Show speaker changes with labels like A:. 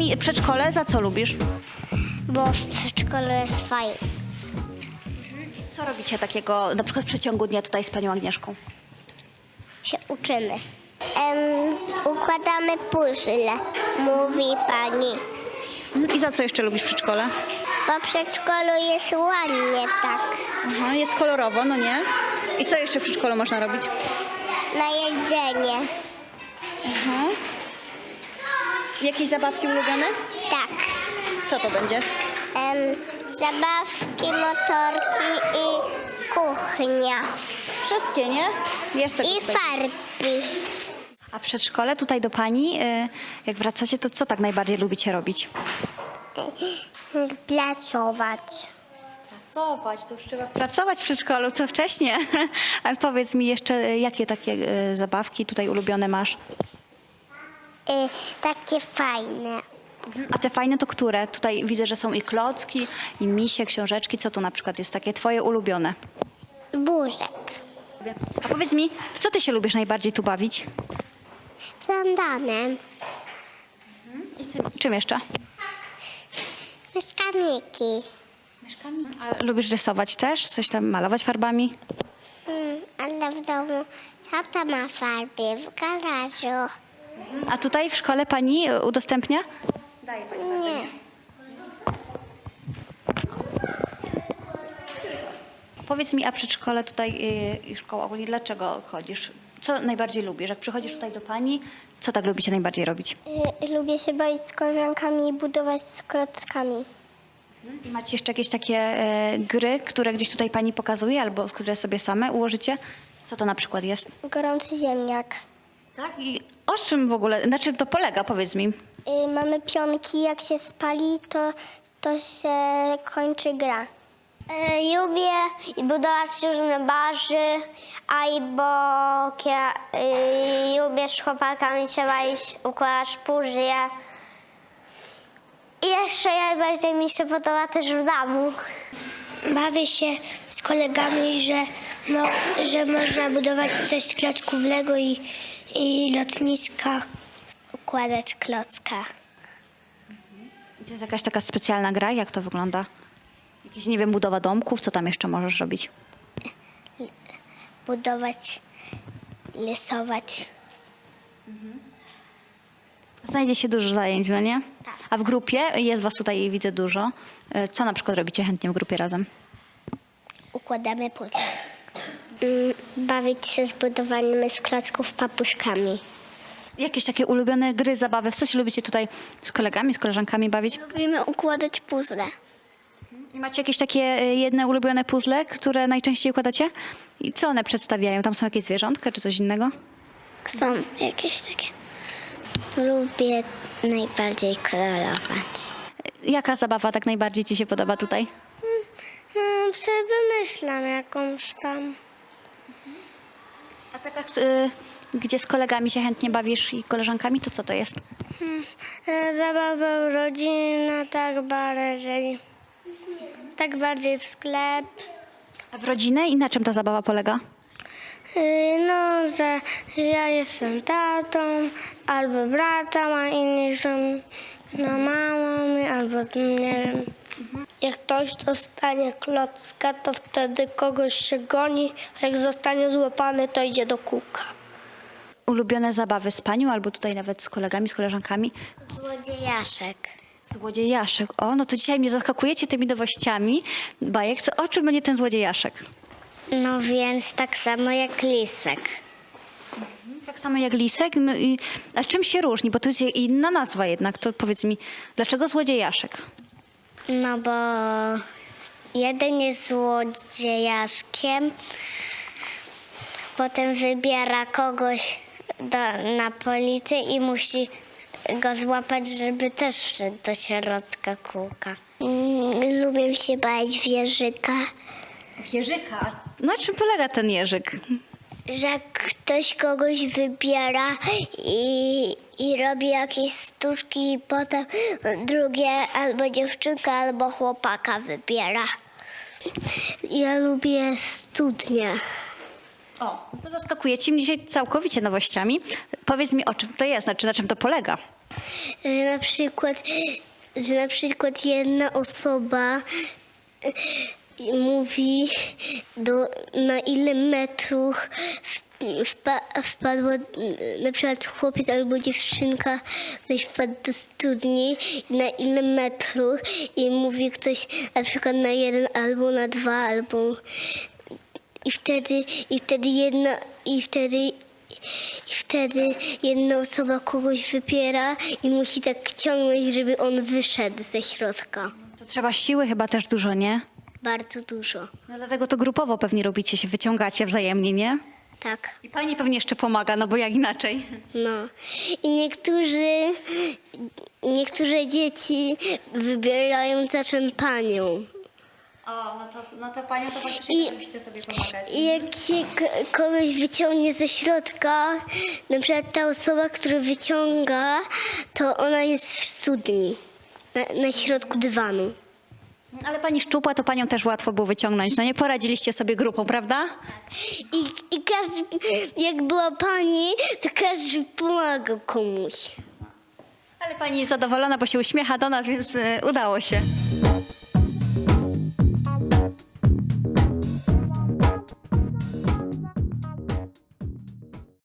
A: mi, przedszkole za co lubisz?
B: Bo w przedszkolu jest fajnie.
A: Co robicie takiego na przykład w przeciągu dnia tutaj z panią Agnieszką?
B: Się uczymy. Układamy puzzle, mówi pani.
A: I za co jeszcze lubisz w przedszkole?
B: Bo w przedszkolu jest ładnie tak.
A: Aha, jest kolorowo, no nie? I co jeszcze w przedszkolu można robić?
B: Na jedzenie.
A: Jakieś zabawki ulubione?
B: Tak.
A: Co to będzie?
B: Zabawki, motorki i kuchnia.
A: Wszystkie, nie? Jest tego
B: I
A: tutaj.
B: farby.
A: A przedszkole tutaj do pani, jak wracacie, to co tak najbardziej lubicie robić?
B: Pracować.
A: Pracować, to już trzeba pracować w przedszkolu, co wcześniej. A powiedz mi jeszcze, jakie takie zabawki tutaj ulubione masz?
B: Takie fajne.
A: A te fajne to które? Tutaj widzę, że są i klocki, i misie, książeczki. Co to na przykład jest takie twoje ulubione?
B: Burzek.
A: A powiedz mi, w co ty się lubisz najbardziej tu bawić?
B: Plandanem.
A: Czym jeszcze?
B: Myszkamiki.
A: A lubisz rysować też? Coś tam malować farbami?
B: Ale w domu tata ma farby w garażu.
A: A tutaj w szkole pani udostępnia?
B: Nie.
A: Powiedz mi, a przedszkole tutaj i szkoła ogólnie, dlaczego chodzisz? Co najbardziej lubisz? Jak przychodzisz tutaj do pani, co tak lubicie najbardziej robić?
B: Lubię się bawić z koleżankami i budować z klockami.
A: I macie jeszcze jakieś takie gry, które gdzieś tutaj pani pokazuje, albo które sobie same ułożycie? Co to na przykład jest?
B: Gorący ziemniak.
A: Tak? I o czym w ogóle, na czym to polega, powiedz mi?
B: Mamy pionki, jak się spali, to się kończy gra. Lubię budować różne barzy, albo lubię z chłopakami trzeba iść układać puzzle. I jeszcze najbardziej mi się podoba też w domu. Bawię się z kolegami, że można budować coś z klocków Lego i lotniska. Układać klocka.
A: To jest jakaś taka specjalna gra? Jak to wygląda? Jakieś, nie wiem, budowa domków? Co tam jeszcze możesz robić?
B: Budować, rysować.
A: Znajdzie się dużo zajęć, no nie?
B: Tak.
A: A w grupie, jest was tutaj, widzę, dużo. Co na przykład robicie chętnie w grupie razem?
B: Układamy puzzle. Bawić się z budowaniem z klocków papuszkami.
A: Jakieś takie ulubione gry, zabawy? W co się lubicie tutaj z kolegami, z koleżankami bawić?
B: Lubimy układać puzzle.
A: I macie jakieś takie jedne ulubione puzzle, które najczęściej układacie? I co one przedstawiają? Tam są jakieś zwierzątka czy coś innego?
B: Są jakieś takie. Lubię najbardziej kolorować.
A: Jaka zabawa tak najbardziej ci się podoba tutaj?
B: Wymyślam jakąś tam.
A: A taka, gdzie z kolegami się chętnie bawisz i koleżankami, to co to jest?
B: Zabawa rodzinna, tak bardziej w sklep.
A: A w rodzinę i na czym ta zabawa polega?
B: Że ja jestem tatą, albo bratem, a inni są mamą, albo nie wiem. Jak ktoś dostanie klocka, to wtedy kogoś się goni, a jak zostanie złapany, to idzie do kółka.
A: Ulubione zabawy z panią albo tutaj nawet z kolegami, z koleżankami?
B: Złodziejaszek.
A: Złodziejaszek. O, no to dzisiaj mnie zaskakujecie tymi nowościami. Bajek, co, o czym będzie ten złodziejaszek?
B: No więc tak samo jak lisek.
A: Tak samo jak lisek? No a czym się różni? Bo to jest inna nazwa jednak. To powiedz mi, dlaczego złodziejaszek?
B: No bo jeden jest złodziejaszkiem, potem wybiera kogoś na policję i musi go złapać, żeby też wszedł do środka kółka. Lubię się bawić w jeżyka.
A: W jeżyka? Na czym polega ten jeżyk?
B: Że ktoś kogoś wybiera i robi jakieś sztuczki i potem drugie albo dziewczynka, albo chłopaka wybiera. Ja lubię studnie.
A: O, no to zaskakujecie mnie dzisiaj całkowicie nowościami. Powiedz mi, o czym to jest, znaczy na czym to polega?
B: Że na przykład jedna osoba mówi na ile metrów wpadła na przykład chłopiec albo dziewczynka, ktoś wpadł do studni i na ile metrów i mówi ktoś na przykład na 1 albo na 2 albo i wtedy jedna osoba kogoś wypiera i musi tak ciągnąć, żeby on wyszedł ze środka.
A: To trzeba siły chyba też dużo, nie?
B: Bardzo dużo.
A: No dlatego to grupowo pewnie robicie, się wyciągacie wzajemnie, nie?
B: Tak.
A: I pani pewnie jeszcze pomaga, no bo jak inaczej.
B: No. I niektóre dzieci wybierają za czym panią.
A: O, no to panią to faktycznie musicie sobie pomagać.
B: I jak się kogoś wyciągnie ze środka, na przykład ta osoba, która wyciąga, to ona jest w studni, na środku dywanu.
A: Ale pani szczupła, to panią też łatwo było wyciągnąć. No nie poradziliście sobie grupą, prawda?
B: I każdy, jak była pani, to każdy pomagał komuś.
A: Ale pani jest zadowolona, bo się uśmiecha do nas, więc udało się.